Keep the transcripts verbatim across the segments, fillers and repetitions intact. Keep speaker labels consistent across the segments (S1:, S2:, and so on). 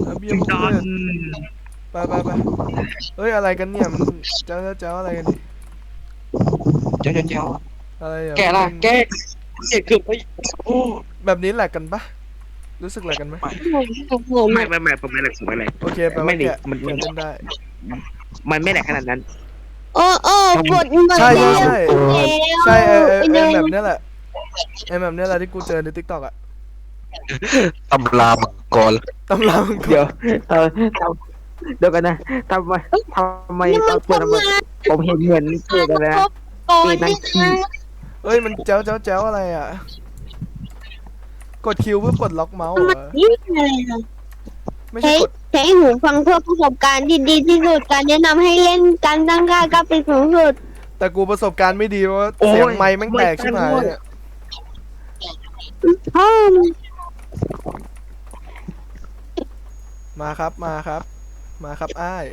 S1: เบียร์พวก
S2: ดอ
S1: เพื่
S2: น
S1: อนไปไปไปเฮ้ยอะไรกันเนี่ยมันเจ้าเจ้าอะไรกันนี่
S2: เจ้าเจ้าเจ้า
S1: อะไรอ่ะ
S2: แกล่ะแกแกเกือบไปโอ้
S1: แบบนี้แหลกกันปะรู้สึกแหลกกันไหม
S2: ไม่ไม่ไม่ผมไม่แหลกผมไม่แหลก
S1: โอเคแปล
S2: ไม่
S1: ว่า
S2: ดิ
S1: แกะ
S2: มัน
S1: แกะเล่นได้
S2: มันไม่แหลกขนาดนั้น
S3: โอ้โอ้บทบท
S1: ใช่
S3: แล้ว
S1: ใช่
S3: แล้ว
S1: ใช่เออเออ
S3: เป็น
S1: เอ
S3: ยั
S1: อง
S3: ไง
S1: แบบเนี้ยแหละไอแบบเนี้ยแหละที่กูเจอในทิกตอกอะ
S4: ตำรามังกร
S1: ตำรามังกร
S2: เดี๋ยวเออทำเดี๋ยวกันนะทำไมทำไม
S3: นี่
S2: ต
S3: มั
S2: อน นเปิด
S3: ทำ
S2: มา
S3: งาน
S2: ผมเห็นเหมือนเปิดอะไร
S3: คร
S2: นะ
S3: บก่อน
S2: ปีนั่
S3: นี่
S2: งขี้
S3: นะ
S1: เอ้ยมันแจ้วแจ้วแจ้วอะไรอ่ะกดคิวเพื่อปลดล็อกเมาส์เหรอ
S3: นี่อะไรนะ
S1: ไม่ใช่
S3: ใช้
S1: กด
S3: ใช้หูฟังเพื่อประสบการณ์ที่ดีที่สุดการแนะนำให้เล่นการตั้งค่ากราฟิกสูงสุด
S1: แต่กูประสบการณ์ไม่ดีเพราะว่าเสียงไมค์แม่งแตกชิบหายเนี่ย
S3: อ้อม
S1: มาครับมาครับ มาครับอ้าย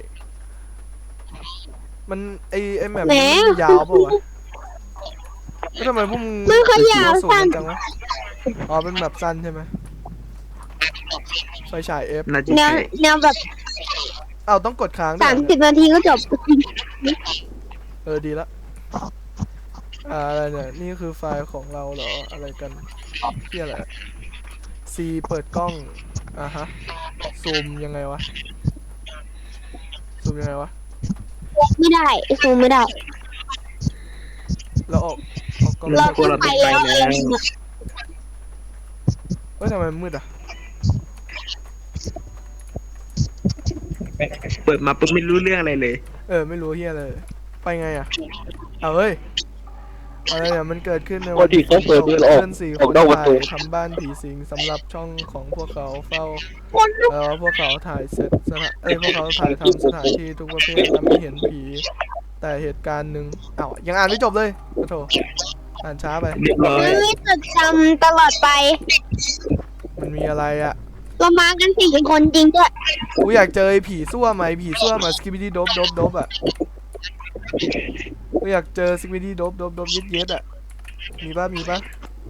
S1: มันไอไอแบบนี้มันยาวเปล่าวะแล้วทำไมพวกมึง
S3: มันขยาว
S1: สูง
S3: สั้น
S1: จังวะอ๋อเป็นแบบสั้นใช่ไหมไฟฉายเอฟ
S2: น่าจะ
S3: แนว
S2: ใช่
S3: แนวแบบ
S1: เอ้าต้องกดค้างด้ว
S3: สาย ม
S1: เหรอ
S3: สิบนาทีก็จบ
S1: เออดีละอ่าอะไรเนี่ยนี่คือไฟล์ของเราเหรออะไรกันที่อะไร C เปิดกล้องอ่ะฮะซูมยังไงวะซูมยังไงวะ
S3: ไม่ได้ซูมไม่ได้
S1: เราออกออกกล้อง
S3: เราขึ้นไปแล้วอะไรเนี่ย
S1: เฮ้ยทำไมมันมืดอ่ะ
S2: เปิดมาปุ๊บไม่รู้เรื่องอะไรเลย
S1: เออไม่รู้เฮียเลยไปไงอ่ะเอาเฮ้ยอะไรเนี่ยมันเกิดขึ้นใน
S4: วันที่เขาเปิดเดินออก
S1: เพื่อนสี่ค
S4: ออก
S1: น
S4: นอกประตู
S1: ถ่ายทำบ้านผีสิงสำหรับช่องของพวกเขาเฝ้า
S3: คนลุก
S1: เออพวกเขาถ่ายเสร็จสถานเอ้ยพวกเขาถ่ายทำสถานที่ทุกประเภทและไม่เห็นผี แต่เหตุการณ์หนึ่งอ้าวยังอ่านไม่จบเลยโอ้โถอ่านช้าไป
S2: เรียบร้อย
S3: ไม่จดจำตลอดไป
S1: มันมีอะไรอ่ะ
S3: เรามากันสี่คนจริงด้วย
S1: กูอยากเจอไอ้ผีซั่วไหมผีซั่วมาสกิบิดี้โดบโดบโดบอ่ะกูอยากเจอสกิบิดี้โดบโดบโดบเย็ดเย็ดอ่ะมีป่ะมีป่ะ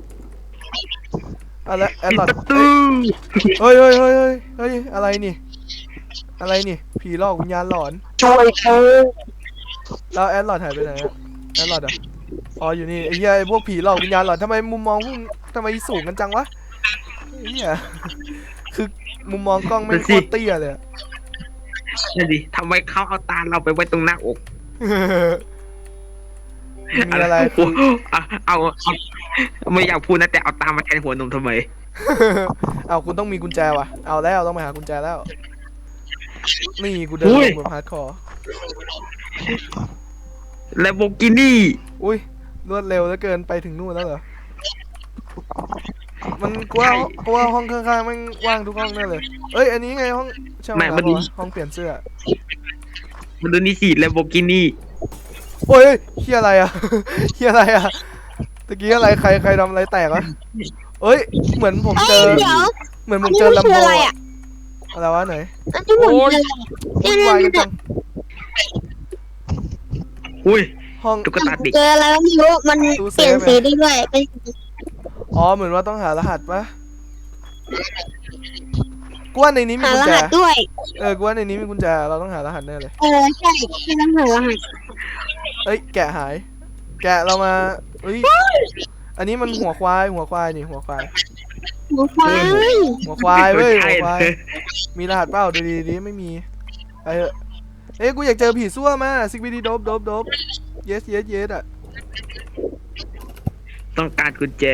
S1: อะไรแอด
S2: ปิด
S1: ลอด
S2: ประตู
S1: เฮ้ยเฮ้ยเฮ้ยเฮ้ยเฮ้ยอะไรนี่อะไรนี่ผีหลอกวิญญาณหลอน
S2: ช่วยเขา
S1: แล้วแอดลอดหายไปไหนอะแอดลอดอ่ะอ๋ออยู่นี่ไอ้เหี้ยไอ้พวกผีหลอกวิญญาณหลอนทำไมมุมมองพวกมึงทำไมสูงกันจังวะไอ้เหี้ยคือมุมมองกล้องไม่งโคตรเตี้ยเลยอะ
S2: นั่นดิทำไมเขาเอาตาเราไปไว้ตรงหน้าอก
S1: มีอะไร
S2: โอ้โหเอาเอาเอาไม่อยากพูดนะแต่เอาตามาแทนหัวนมทำไม
S1: เอาคุณต้องมีกุญแจว่ะเอาแล้วต้องไปหากุญแจแล้วนี่กูเดิน
S2: อุ้
S1: ล
S2: ย
S1: งบนพาร์ทคอร์
S2: และโบกินี่
S1: อุ้ยรวดเร็วเหลือเกินไปถึงนู่นแล้วเหรอมันกูว่ากูว่าห้องข้างๆมันว่างทุกห้องแน่เลยเอ้ยอันนี้ไงห้องช่างมันห้องเปลี่ยนเสื้อ
S2: มันดูนี่สิและโบกินี่
S1: โอ้ยเฮียอะไรอ่ะ เฮียอะไรอ่ะตะกี้อะไรใครใครทำอะไรแตกวะเอ้ยเหมือนผม
S3: เอ้
S1: เจ
S3: ย
S1: อ
S3: เดี๋ยว
S1: เหมือนผ
S3: อัน
S1: ม
S3: นี้
S1: เจอ
S3: มัน
S1: ลำ
S3: คือ
S1: โพ
S3: อะไร
S1: ง
S3: อ่ะ
S1: อะไรวะไหน
S3: อันนี้เหมือนอะไร
S1: วุ่นวายกันจัง
S2: อุ้ย
S1: ห้อง
S2: ตุ๊กตาเด็ก
S3: เจออะไรก็ไม่รู้มัน
S1: ตู้เซ
S3: เปลี่ยน
S1: ฟอะ
S3: สีได้ด้วยเป็น
S1: อ๋อเหมือนว่าต้องหารหัสปะกูว่าในนี้มี
S3: หา
S1: กุญ
S3: ร
S1: แจ
S3: หัสด้วย
S1: เออกูว่าในนี้มีกุญแจเราต้องหารหัสแน่เลย
S3: เออใช่ใช่ต้องหารหัส
S1: เอ้ยแกะหาย แกะเรามาเอ้ยอันนี้มันหัวควายหัวควายนี่หัวควาย
S3: หัวควาย
S1: หัวควายเว้ย
S2: ใช่
S1: หัวควาย มีรหัสเปล่าดูดีดีไม่มีไปเถอะเอ้ยกูอยากเจอผีซั่วมาซิกบิดีโดบโดบโดบเยสเยสเยสอ่ะ
S2: ต้องการกุญแจ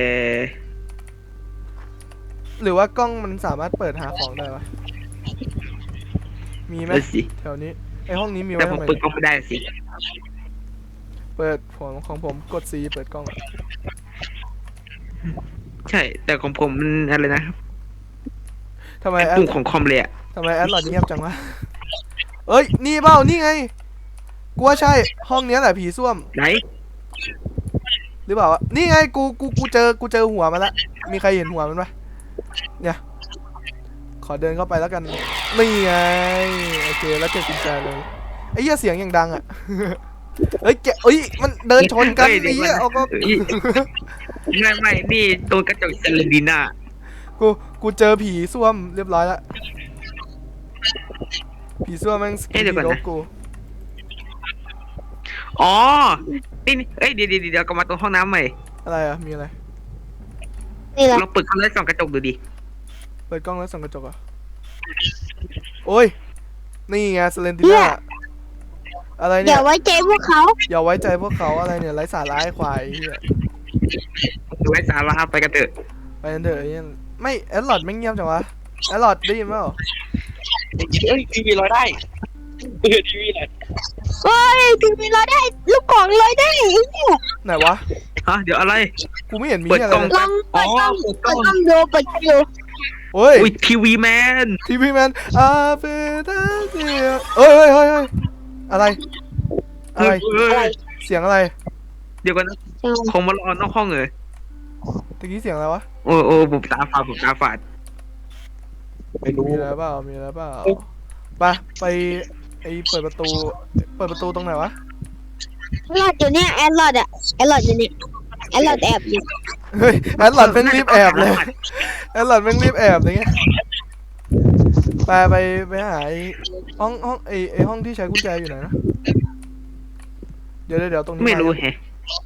S1: หรือว่ากล้องมันสามารถเปิดหาของได้ปะมีไหม
S2: นั่นสิ
S1: แถวนี้ไอห้องนี้มี
S2: แต่
S1: ไว้
S2: ผม
S1: ทำไม
S2: เปิดกล้องไม่ได้สิ
S1: เปิดของของผมกด C เปิดกล้องอะ
S2: ใช่ แต่ของผมมันอะไรนะ
S1: ทำไม
S2: ไอ้
S1: แอด
S2: ปุ่มของคอมเลยอะ
S1: ทำไมแอดหลอดเงียบจังวะเอ้ยนี่เปล่านี่ไงกูว่าใช่ห้องเนี้ยแหละผีส้วม
S2: ไหน
S1: หรือเปล่าวะนี่ไงกูกูกูเจอกูเจอหัวมันละมีใครเห็นหัวมันปะเนี่ยขอเดินเข้าไปแล้วกันนี่ไงโอเคแล้วเก็บกุญแจเลยไอ้เหี้ยเสียงอย่างดังอ่ะ เฮ้ยแกเอ้ยมันเดินชนกัน
S2: เฮ้ย
S1: ไอ้เหี้ย
S2: เดี๋ยว
S1: เอาก็
S2: เอ้ย ไม่ไม่นี่ตรงกระจกเซเลนดีน่า
S1: กูกูเจอผีส้วมเรียบร้อยแล้วผีเสื้อแม่งสกินรบกู
S2: อ๋อนี่นี่เอ้ยเดี๋ยวเดี๋ยวเดี๋ยวกลับมาตรงห้องน้ำใหม่
S1: อะไรอ่ะมีอะไร
S3: นี่แหละ
S2: ลองเปิดเข้าแล้วส่องกระจกดูดิ
S1: เปิดกล้องแล้วส่องกระจกอ่ะโอ้ยนี่ไงสเลนติน่าอะไร
S3: อ
S1: เนี่
S3: ย่าย ไว้ใจพวกเขา
S1: อย่าไว้ใจพวกเขาอะไรเนี่ยไร้สาระไอ้ควายไอ้เหี้ย
S2: ไว้สาระไปกันเถอะ
S1: ไปกันเถอะไอ้เหี้ยไม่แอดลอดไม่งเงียบจังวะแอดลอดได้ยินเปล่า
S4: เอ้ยทีวีลอยได้เออทีวีลอย
S3: เฮ้ยทีวีลอยได้ลูกกล่องลอยได้ไอ้เนี่ย
S1: ไหนวะ
S2: ฮะเดี๋ยวอะไร
S1: กูไม่เห็นมี
S2: เปิด
S1: อะไร
S2: กล้อง
S1: เลย
S3: ลองเปิดกล้อง
S2: อ๋อ
S3: เปิดกล้องดูเปิดกล้องดู
S1: โอ้ย
S2: อุ้ยทีวีแมน
S1: ทีวีแมนอาเฟตาเซียเอ้ยเฮ้ยเฮ้ยเฮ้ยอะไรอะไร
S2: เฮ้ย
S1: เสียงอะไร
S2: เดี๋ยวกันนะคงมารอนอกห้องเลย
S1: ตะกี้เสียงอะไรวะ
S2: โอ้โอ้ผมตาฝาดผมตาฝาด
S4: ไม่รู้
S1: มีอะไรเปล่ามีอะไรเปล่าไปไปไอเปิดประตูเปิดประตูตรงไหนวะ
S3: แอลลอดอยู่เนี่ยแอลลอดอะแอลลอดอยู่เนี่ยแอลลอดแอบอยู่
S1: เฮ้ยแอดหลอดแม่งรีบแอบเลยแอดหลอดแม่งรีบแอบอะไรเงี้ยไปไปไปหาไอห้องห้องไอไอห้องที่ใช้กุญแจอยู่ไหนนะเดี๋ยวเดี๋ยวเดี๋ยวตรงนี้
S2: ไม่รู้
S1: า
S2: แฮะ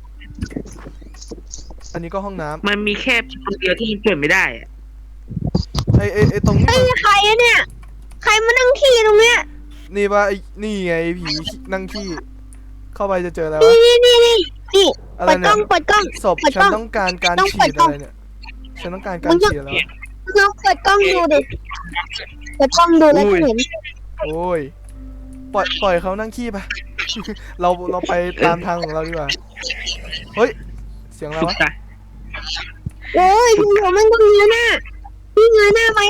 S1: อันนี้ก็ห้องน้ำ
S2: มันมีแค่คนเดียวที่มันเปิดไม่ได้อะ
S1: ไอไอไอตรงนี้
S3: ไอ้
S1: มัน
S3: ใครอะเนี่ยใครมานั่งขี้ตรงเนี้ย
S1: นี่ปะไอนี่ไงไอ้ผีนั่งขี้เข้าไปจะเจออะไรวะ
S3: นี่นี่นี่นี่
S1: อะไร
S3: เปิดก
S1: เนี่
S3: ล้อย งเปิดกล้อง
S1: ศพ
S3: เปิด
S1: ฉั
S3: กล้
S1: น
S3: อง
S1: ต้องการการ
S3: ต้อง
S1: ฉี
S3: เปิ
S1: ด
S3: ดกล้
S1: อะ
S3: อง
S1: ไรเนี่ยฉันต้องการการฉีดแล้วะ
S3: ลองเปิดกล้องดูดิเปิดกล้องดูแล้วจะเห็น
S1: โอ้ยปล่อยปล่อยเขานั่งขี้ไป เราเราไปตามทางของเราดีกว่าเฮ้ยเสียงอะไร
S2: สุด
S1: วะ
S2: ใจ
S3: โอ้ยคุณผมมันก็เงยหน้าพี่เงยหน้าไหม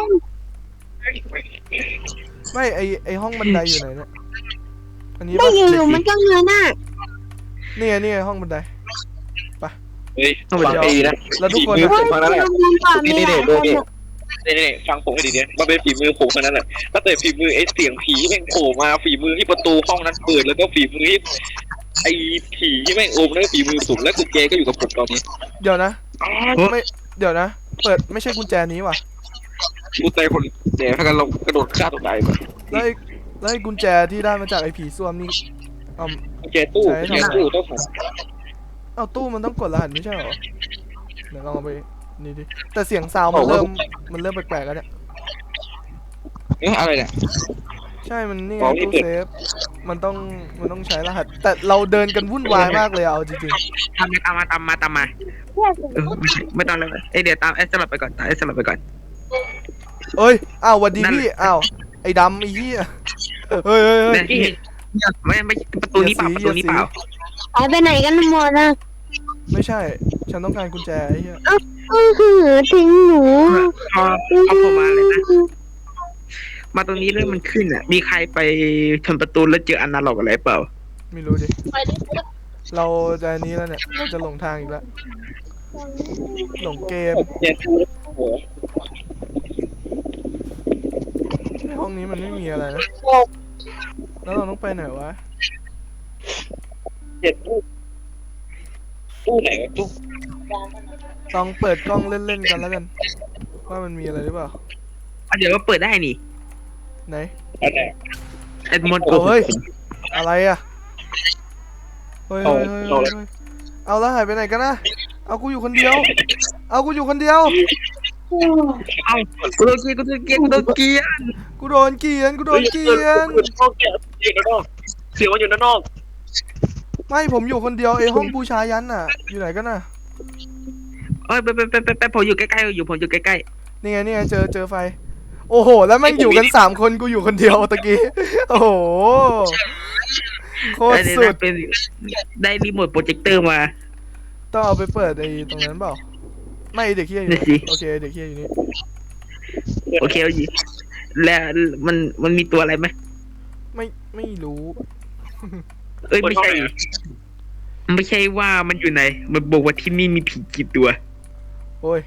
S1: ไม่ไอไอห้องบันไดอยู่ไหนเนี่ยอันนี้
S3: ไม่
S1: ปะ
S3: อยู่ๆมันก็เงยหน้า
S1: นี่ไงนี่ไงห้องบันได
S4: เฮ้ยฟังดีนะ
S1: แล้วทุกคน
S4: ฝี
S1: นะ
S4: มือผมทั้งนั้นแหละ
S3: มันป่ามีหลายคนอะ
S4: นี่นี่ฟังผมให้ดีเนี่ยมันเป็นฝีมือผมทั้งนั้นแหละตั้งแต่ฝีมือไอ้เสียงผีแม่งโผล่มาฝีมือที่ประตูห้องนั้นเปิดแล้วก็ฝีมือที่ไอ้ผีที่แม่งโอมนั่นก็ฝีมือผมและกุญแจก็อยู่กับผมตอนนี้
S1: เดี๋ยวนะไม่เดี๋ยวนะ เปิดไม่ใช่กุญแจนี้ว่ะ
S4: กุญแจคนแดดพากันลงกระโดดฆ่าตัวตายมา
S1: แล้วไอ้แล้วไอ้กุญแจที่ได้มาจากไอ้ผีส้วมนี่เอา
S4: กุญแจตู้กุญแจตู้ต้องหา
S1: เอาตู้มันต้องกดรหัสไม่ใช่เหรอเดี๋ยวลองเอาไปนี่ดิแต่เสียงซาวด์มันเริ่มมันเริ่มแปลกๆแล้วเนี่ย
S4: เอ๊ะอะไรเนี่ย
S1: ใช่มันนี่ไง
S4: อ๋อนี่
S1: ตู้
S4: เปิด
S1: เซฟมันต้องมันต้องใช้รหัส แต่เราเดินกันวุ่นวายมากเลยอะเอาจริง
S2: ตามมาตามมาตามมาตามมาเออไม่ใช่ไม่ต้องเลยเอ้ยเดี๋ยวตามไอ้สลับไปก่อนตามไอ้สลับไปก่อน
S1: ๆเอ้ยอ้าวหวัดดีพี่อ้าวไอ้ดำไอ้เหี้ยเฮ้ยเฮ้ยเฮ้ย
S2: เนี่ยไม่ไม่ประตูนี้เปล่าประตูนี้เปล่า
S3: หายไปไหนกันหมดนะ
S1: ไม่ใช่ ฉันต้องการกุญแจไอ้เหี้ย
S3: อือหือทิ้งหนู
S2: พอเอาผมมาเลยนะมาตรงนี้เรื่องมันขึ้นอ่ะ มีใครไปชนประตูแล้วเจออนาล็อกอะไรเปล่า
S1: ไม่รู้ดิ เราจะอันนี้แล้วเนี่ย จะหลงทางอีกแล้ว หลงเกม
S4: กุญแจตู้โอ้โห
S1: ในห้องนี้มันไม่มีอะไรนะ แล้วเราต้องไปไหนวะ
S4: กุญแจตู้ตู้ไหนวะตู้
S1: ลองเปิดกล้องเล่นๆกันแล้วกัน ว่ามันมีอะไรหรือเปล่า
S2: อ่ะเดี๋ยวก็เปิดได้นี่
S1: ไหน
S4: อันไหน
S2: ไอ้มด
S1: เอาเฮ้ย อะไรอะเฮ้ยเฮ้ยเฮ้ยเฮ้ยเฮ้ยเอาแล้วหายไปไหนกันนะ เอากูอยู่คนเดียว เอากูอยู่คนเดียว
S2: เอ้ากูโดนเกียร์กูโดนเกียร์กูโดนเกียร์
S1: กูโดนเกลียน กูโดนเกลียน
S4: เสียงมันอยู่ด้านนอก
S1: ไม่ผมอยู่คนเดียวไอห้องบูชายันน่ะ อยู่ไหนกันน่ะ
S2: เอ้ยไปไปไปไปไปผมอยู่ใกล้ๆอยู่ผมอยู่ใกล้
S1: นี่ไงนี่ไงเจอเจอไฟ โอ้โห แล้วแม่งอยู่กันสามคนกูอยู่คนเดียวตะกี้ โอ้โห โค
S2: ๆ
S1: ตร
S2: ได้
S1: สุ
S2: ได้
S1: ด
S2: เป็นได้รีโมทโปรเจคเตอร์มา
S1: ต้องเอาไปเปิดไอ้ตรงนั้นเปล่า ไม่ไอ้เด็กเฮียอยู่
S2: นี่
S1: นี่
S2: สิ
S1: โอเคไอ้เด็กเฮียอยู่นี่
S2: โอเคเอาอยู่แล้วมันมันมีตัวอะไรไหม
S1: ไม่ไม่รู้
S2: เอ้ยไม่ใช่ไม่ใช่ว่ามันอยู่ไหนมันบอกว่าที่นี่มีผีกี่ตัว
S1: โอ้ย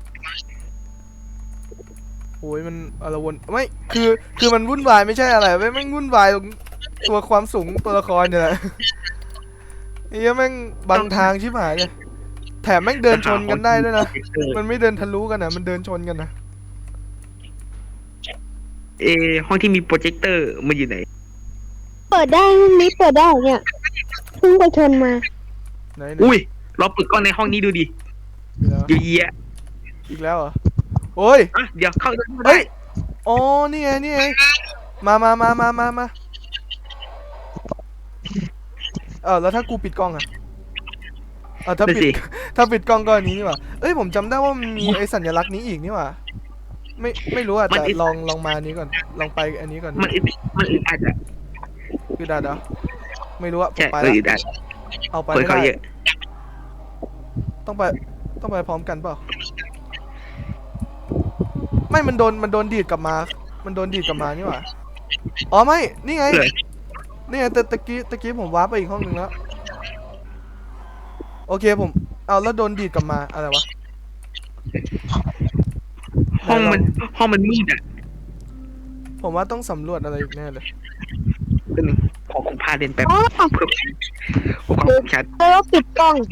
S1: โอ้ยมันอะไรวนไม่คือคือมันวุ่นวายไม่ใช่อะไรไม่แม่งวุ่นวายตรงตัวความสูงตัวละครเนี่ยแหละไอ้เหี้ยแม่งบังทางชิบหายเลยแถมแม่งเดินชนกันได้ด้วยนะ มันไม่เดินทะลุกันนะมันเดินชนกันนะ
S2: เออห้องที่มีโปรเจคเตอร์มันอยู่ไหน
S3: เปิดได้ห้องนี้เปิดได้เนี่ยเพิ่งไปชนมา
S1: ไหนไหน
S2: อุ้ยเราเปิดกล้องในห้องนี้ดูดิ
S1: เดี๋ยว
S2: เยอะแยะ
S1: อีกแล้วเหรอโอ้ย
S2: อ่ะเดี๋ยวเข้าได้
S1: เฮ้ยอ๋อนี่ไงนี่ไงมามามามามามาเออแล้วถ้ากูปิดกล้องอะเออถ้า
S2: นั่น
S1: ปิ
S2: สิ
S1: ด ถ้าปิดกล้องก็อันนี้นี่หว่าเอ้ยผมจำได้ว่ามันมีไอ้สัญลักษณ์นี้อีกนี่หว่าไม่ไม่รู้อะแต่ลองลองมาอันนี้ก่อนลองไปอันนี้ก่อน
S2: มันอึดมันอึดอัดอ่ะ
S1: คือดาดเหรอไม่รู้อะผม
S2: ใช่
S1: ไป
S2: มัน
S1: ละ
S2: อึดอัด
S1: เอาไป
S2: คน
S1: ไม่
S2: เขา
S1: ได้
S2: เยอะ
S1: ต้องไปต้องไปพร้อมกันเปล่าไม่มันโดนมันโดนดีดกลับมา มันโดนดีดกลับมานี่หว่าอ๋อไม่นี่ไง
S2: เลย
S1: นี่ไงแต่ตะกี้ตะกี้ผมว้าร์ปไปอีกห้องหนึ่งแล้วโอเคผมเอาแล้วโดนดีดกลับมาอะไรวะ
S2: ห้องมันห้องมันมืดอ่ะ
S1: ผมว่าต้องสำรวจอะไรอีกแน่เลย
S2: เป็นขอผมพาเดินแป๊บ
S3: อ๋อ
S2: เพื่อความคมชัด
S3: แล้วปิดกล้อง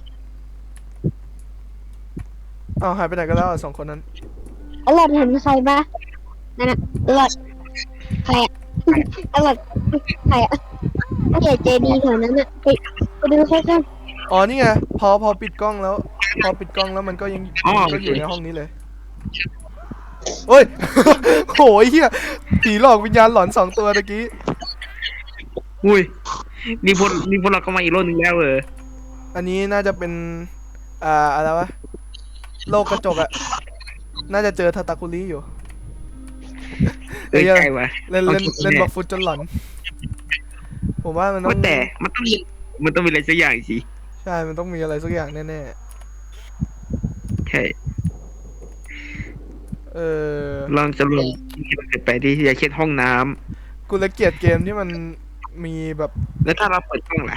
S1: เอาหายไปไหนกันแล้วอ่ะสองคนนั้น
S3: อร่อยเห็นใครปะนั่นน่ะอร่อยใครอะอร่อยใครอะถ้าเกิดเจดีแถวนั้นอะไปไปดูใครกัน
S1: อ๋อนี่ไงพอพอปิดกล้องแล้ว พอปิดกล้องแล้วมันก็ยังมันก็อยู่ในห้องนี้เลยโอ้ย โหยเฮียผีหลอกวิญญาณหลอนสองตัวตะกี้
S2: อุ้ยนี่พวกนี่พวกเราก็มาอีกโลกหนึงแล้วเออ
S1: อันนี้น่าจะเป็นอ่าอะไรวะโลกกระจกอะน่าจะเจอทาตาคุริอยู่
S2: เอ้ย
S1: เอ้ย
S2: ใช่วะ
S1: เล่นเล่น
S2: ต้องคิด
S1: เล่น
S2: แน่
S1: บักฟุตจนหลอน ผมว่ามันต้อ
S2: ว่าง แต่มันต้องมีมันต้องมีอะไรสักอย่างสิ
S1: ใช่ มันต้องมีอะไรสักอย่างแน่
S2: ใช่
S1: ๆ เออ
S2: ลองจะลองที่มันเกิดไปที่อยากเช็ดห้องน้ำ
S1: กูเลยเกลียดเกมที่มันมีแบบ
S2: แล้วถ้าเราเปิดกล้องล่ะ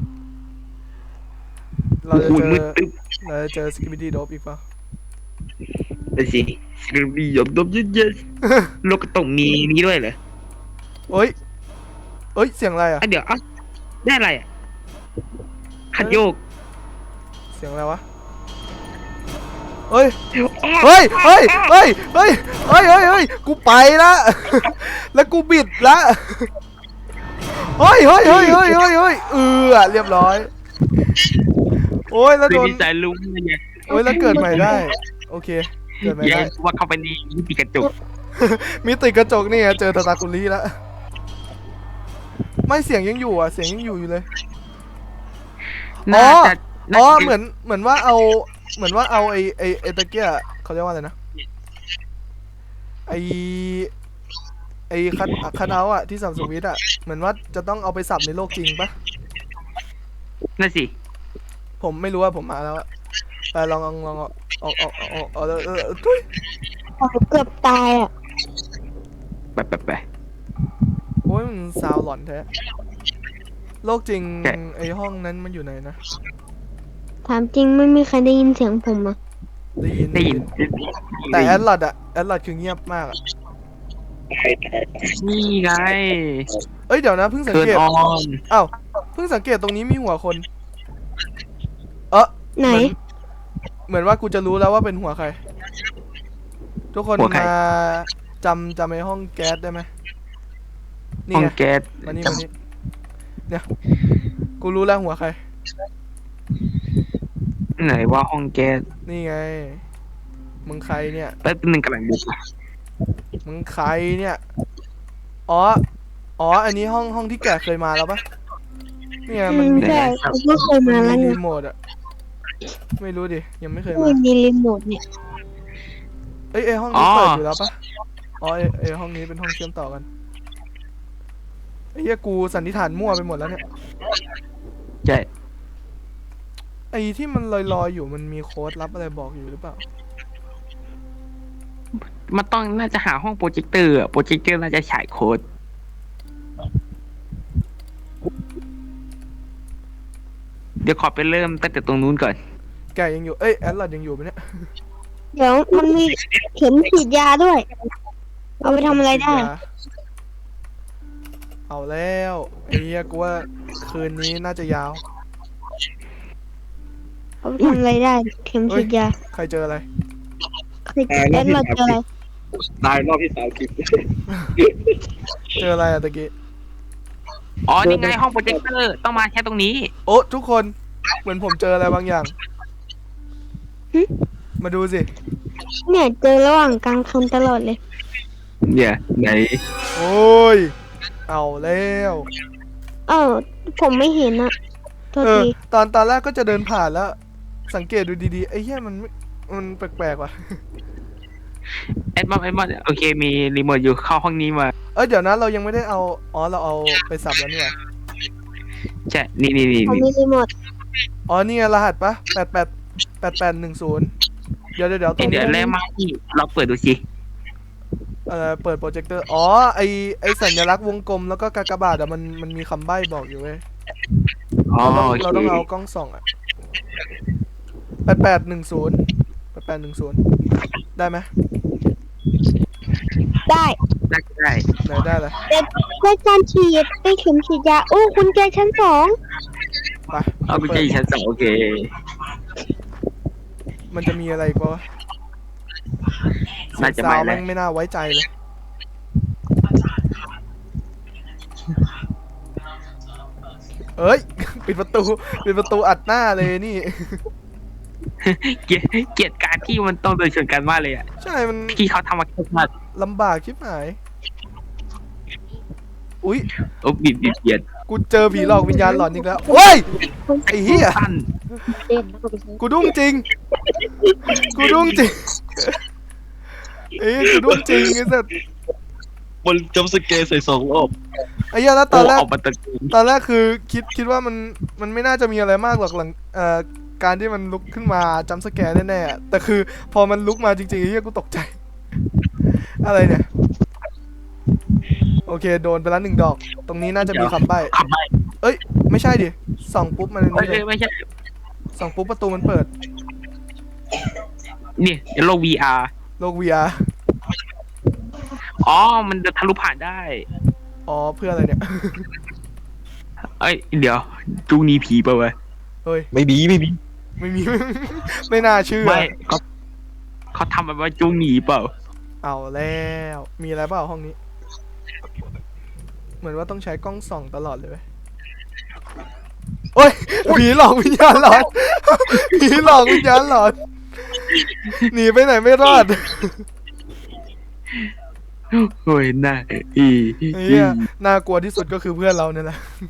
S1: เราจะ
S2: อุ้ย
S1: เจอ
S2: มืดตึ๊บ
S1: เราจะเจอสกิบิดี้โดบอีกเปล่า
S2: ไปสิสกรียบดบเยอะๆโลกก็ต้องมีนี้ด้วยเหรอ
S1: เอ้ย เอ้ย เสียงอะไรอ่ะ
S2: อ่ะเดี๋ยวอ่ะได้อะไรอ่ะขัดโยก
S1: เสียงอะไรวะ เฮ้ย
S2: อ้อ
S1: เฮ้ย เฮ้ย เฮ้ย เฮ้ย เฮ้ย เฮ้ย เฮ้ย กูไปละ แล้วกูบิดละ เฮ้ย เฮ้ย เฮ้ย เฮ้ย เฮ้ย เฮ้ยเออเรียบร้อย โอ้ย แล้ว
S2: คื
S1: โด
S2: อน ดีใจลุงไง
S1: โอ้ย แล้วเกิดใหม่ได้ โอเค เกิดใหม่
S2: แย่
S1: ได้
S2: ว่าเข้าไปในมิติกระจก
S1: มีติดกระจกนี่ไงเจอตาตาคุรีแล้ว ไม่เสียงยังอยู่อ่ะ เสียงยังอยู่อยู่เลย
S2: น่าจะ
S1: อ๋อ
S2: น่าจะ
S1: เหมือน เหมือนว่าเอา เหมือนว่าเอาไอไอไอตะเกียเขาเรียกว่าอะไรนะ ไอไอคัทคัทเอาท์อะที่สับสวิตช์อะเหมือนว่าจะต้องเอาไปสับในโลกจริงปะ
S2: นั่นสิ
S1: ผมไม่รู้ว่าผมมาแล้วอะแต่ลองลองลองเอาเอาเอาเอาเอาเออเออเออทุย
S3: เกือบตายอะ
S2: ไปไปไป
S1: โอ้ยมันซาวหลอนแท้ โลกจริง
S2: ใช่
S1: ไอห้องนั้นมันอยู่ไหนนะ
S3: ถามจริงไม่มีใครได้ยินเสียงผมอะ
S1: ได้ยิน
S2: ได้ยิน
S1: แต่แอดลอดอะแอดลอดคือเงียบมากอะ
S2: นี่ไง
S1: เอ้ยเดี๋ยวนะเพิ่งสัง
S2: เทิร์น
S1: เกต
S2: ออน
S1: อ้าวเพิ่งสังเกตตรงนี้มีหัวคน เออ
S3: ไหน
S1: เหมือนเหมือนว่ากูจะรู้แล้วว่าเป็นหัวใคร ทุกคนมาจำจำไอห้องแก๊สได้ไหมนี่
S2: ห้อง
S1: ไง
S2: แก๊ส
S1: มานี่มานี่เนี่ยกูรู้แล้วหัวใคร
S2: ไหนว่าห้องแก๊ส
S1: นี่ไงมึงใครเนี่ย
S2: แป๊บนึงกำลังดู
S1: มึงใครเนี่ย อ๋อ อ๋อ อันนี้ห้องห้องที่แกเคยมาแล้วปะเนี่ย
S3: อื
S1: มัน
S3: ม
S1: มี
S3: ใช่ผมก็เคย
S1: มัน
S3: มาแล้ว
S1: มี
S3: ไง
S1: รีโมทอะไม่รู้ดิ ยังไม่เคย
S3: มั
S1: มา
S3: นมีรีโมทเนี่ย
S1: เอ้ยไอห้องนี้เปิดอยู่แล้วปะอ๋อไอไอห้องนี้เป็นห้องเชื่อมต่อกันไอ้เหี้ยกูสันนิษฐานมั่วไปหมดแล้วเนี่ย
S2: ใช่
S1: ไอ้ที่มันลอยๆอยู่มันมีโค้ดลับอะไรบอกอยู่หรือเปล่า
S2: มันต้องน่าจะหาห้องโปรเจคเตอร์อะโปรเจคเตอร์น่าจะฉายโค้ดเดี๋ยวขอไปเริ่มตั้งแต่ตรงนู้นก่อน
S1: แกยังอยู่ เอ้ยแอดลอดยังอยู่ไหมเนี่ย
S3: เดี๋ยวมันมีเข็มฉีดยาด้วย เอาไปทำอะไรได้
S1: เอาแล้วไอ้เหี้ยกูว่าคืนนี้น่าจะยาว
S3: เอาไปทำอะไรได้ เข็มฉีดยา
S1: ใครเจออะไร
S3: เคยเล่นเราเจออะไร
S4: ตายรอบที่สามสิบ
S1: เจออะไรอะตะกี้
S2: อ๋อนี่ไงห้องโปรเจคเตอร์ต้องมาแค่ตรงนี้
S1: โอ้ทุกคนเหมือนผมเจออะไรบางอย่าง มาดูสิ
S3: เนี่ยเจอระหว่างกลางคันตลอดเลย
S2: เนี่ยไหน
S1: โอ้ยเอาแล้ว
S3: เออผมไม่เห็นอะโทษ
S1: เออ
S3: ที
S1: ตอนตอนแรกก็จะเดินผ่านแล้ว สังเกตดูดีๆไอ้เหี้ยมันไม่มันแปลกๆว่ะ
S2: แอดมอนแอดมอนโอเคมีรีโมทอยู่เข้าห้องนี้มา
S1: เอ้ยเดี๋ยวนะเรายังไม่ได้เอาอ๋อเราเอาไปสับแล้วนี่หว่า
S2: ใช่นี่นี่นี่
S3: ผม
S2: นี่
S3: มีรีโมท
S1: อ๋อนี่ไงรหัสปะแปดแปดแปดแปดหนึ่งศูนย์เดี๋ยวเดี๋ยวเดี๋ยวต
S2: เอ้
S1: ร
S2: ย
S1: ง
S2: เดี๋ยว
S1: นี้
S2: แล้วมาที่เราเปิดดูสิ
S1: เอ่อเปิดโปรเจคเตอร์อ๋อไอไอสัญลักษณ์วงกลมแล้วก็กากบาทอะมันมันมีคำใบ้บอกอยู่เว้ย
S2: อ๋อ
S1: เราต้อง
S2: โอเค
S1: เราต้องเอากล้องส่องอะแปดแปดหนึ่งศูนย์แปดแปดหนึ่งศูนย์ได้ไหม
S3: ได้
S2: ได้ได้
S1: ไหนได้เลย
S3: ได้การฉีดได้เข็มฉีดยาโอ้คุณแจชั้นสอง
S1: ไป
S2: เอาไปเจอชั้นสองโอเค
S1: มันจะมีอะไรอีกวะ
S2: น่าจะ
S1: สา
S2: ไม่
S1: ว
S2: แล้
S1: แม่
S2: ว
S1: งไม่น่าไว้ใจเลย เอ้ย ปิดประตูปิดประตูอัดหน้าเลยนี่
S2: เกลียดเกลียดการที่มันต้องเดินชนกันมากเลยอ่ะ
S1: ใช่มัน
S2: ที่เขาทำมาแค่มา
S1: ลำบากชิบหาย อุ้ย
S2: โอ้บิดบิดเบียด
S1: กูเจอผีหลอกวิญญาณหลอนอีกแล้วเฮ้ย ไอ้เหี้ย
S2: สั้น
S3: เด่นแล้วก็ไปซื้อ
S1: กูดุ้งจริง กูดุ้งจริง เอ้ยกูดุ้งจริงไอ้สัส
S4: บนจำสเกร์ใส่สองรอบ
S1: ไอ้เหี้ยแล้วตอนแรก
S2: โออกมาตะกูล
S1: ตอนแรกคือคิดคิดว่ามันมันไม่น่าจะมีอะไรมากหรอกหลังเอ่อการที่มันลุกขึ้นมาจัมป์สแกร์แน่ๆอะแต่คือพอมันลุกมาจริงๆไอ้เหี้ยกูตกใจ อะไรเนี่ย โอเคโดนไปแล้วหนึ่งดอก ตรงนี้น่าจะมีคำใบ้
S2: ขับไป
S1: เอ้ย ไม่ใช่ดิส่องปุ๊บมัน
S2: ไม่
S1: นี่เล
S2: ใช่
S1: ย
S2: ไม่ใช่
S1: ส่องปุ๊บประตูมันเปิด
S2: นี่โลก วี อาร์
S1: โลก วี อาร์
S2: อ๋อมันจะทะลุผ่านได้
S1: อ๋อเพื่ออะไรเนี่ย
S2: เอ้ยเดี๋ยวจูงหนีผีไปะเว้ย
S1: เฮ้ย
S4: ไม่มีไม่มี
S1: ไม่มี ไม่น่าเชื่อ
S2: ไม่เขาเขาทำแบบว่าจูงหนีเปล่า
S1: เอาแล้ว มีอะไรเปล่าห้องนี้ เหมือนว่าต้องใช้กล้องส่องตลอดเลยเว้ยโอ้ย ผีหลอกวิญญาณหลอน ผีหลอกวิญญาณหลอน หนีไปไหนไม่รอด
S2: โอ้ยน่าอี
S1: ไอ้เหี้ยน่ากลัวที่สุดก็คือเพื่อนเราเนี่ยแหละ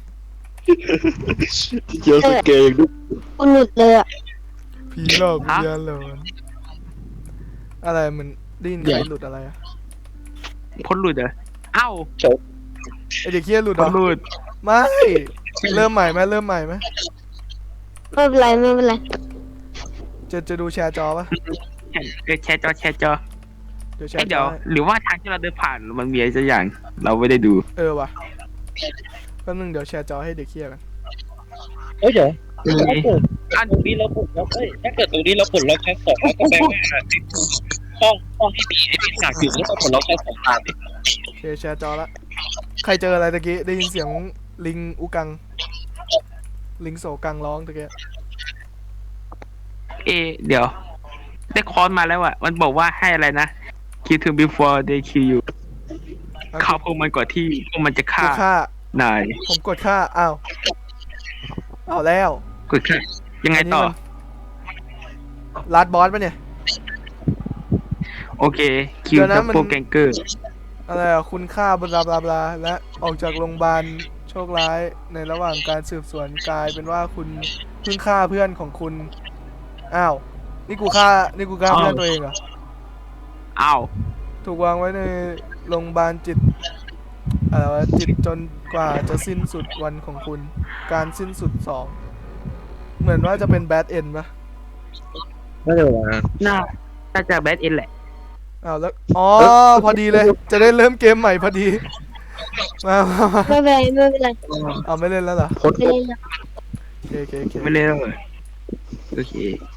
S4: เจอสเกร์อย่างดุ
S3: คุณหลุดเลยอะ
S1: ผีหลอกวิญญาณหลอน อะไรเหมือนได้ยินใครหลุดอะไรอะ
S2: พ้นหลุดเหรอเอ้า
S1: ไอเด็กเฮียหลุดเหร
S2: พ้
S1: อน
S2: หลุด
S1: ไม่ เริ่มใหม่ไหมเริ่มใหม่ไหม
S3: ไม่เป็นไรไม่เป็นไร
S1: จะจะดูแชร์จอปะ
S2: เออแชร์จอแชร์จอ
S1: เดี๋ยวแช
S2: เอ้ย
S1: ร์จ
S2: เดี๋ย
S1: อ
S2: ว
S1: ให้
S2: หรือว่าทางที่เราเดินผ่านมันมีอะไรสักอย่าง เราไม่ได้ดู
S1: เออว่ะแป๊บนึงเดี๋ยวแชร์จอให้เด็กเฮียกัน
S4: เอ้ยเดี๋ยว
S2: อัน
S4: ตรงนี้เราปลดล็อกเอ้ยถ้าเกิดตรงนี้เราปลดล็อกชั้นสองแล้วก็แปลว่าห้องห้องที่มีไอ้ปีศาจอยู่แล้วก็ปลดล็อกชั้นสองตามดิ
S1: โอเคแชร์จอละใครเจออะไรตะกี้ได้ยินเสียงลิงอุกัง ลิงโศกังร้องตะกี้
S2: เอะเดี๋ยว ได้คอนมาแล้วอะมันบอกว่าให้อะไรนะ kill them before they kill you ฆ่าพวกมันก่อนที่พวกมันจะฆ่า
S1: กูฆ่าน
S2: าย
S1: ผมกดฆ่าอ้าวเอาแล้ว
S2: กดฆ่ายังไงต่อ
S1: ลาดบอสปะเนี่ย
S2: โอเค คิว
S1: เดี๋ยวนะ
S2: กับ
S1: มัน
S2: โปรแกงเกอร์
S1: อะไรอ่ะคุณค่าบลาบลาบลาและออกจากโรงพยาบาลโชคร้ายในระหว่างการสืบสวนกลายเป็นว่าคุณเพิ่งฆ่าเพื่อนของคุณอ้าวนี่กูฆ่านี่กูฆ่าเพื่อนตัวเองเหรอ
S2: อ้าว
S1: ถูกวางไว้ในโรงพยาบาลจิตอะไรวะจิตจนกว่าจะสิ้นสุดวันของคุณ การสิ้นสุดสองเหมือนว่าจะเป็นแบดเอ็นปะ
S4: ไม่ได้ว่า
S2: น่าน่าจะแบทเอ็นแหละ
S1: อ้าวแล้วอ๋อพอดีเลย จะได้เริ่มเกมใหม่พอดีมามามา
S3: ไม่เป็นไรไม่เป็นไร
S1: เอาไม่เล่นแล้วเหรอ
S3: ไม่เล่นแล้ว
S1: โอเคโอเคโอเค
S2: ไม่เล่นเลยโอเค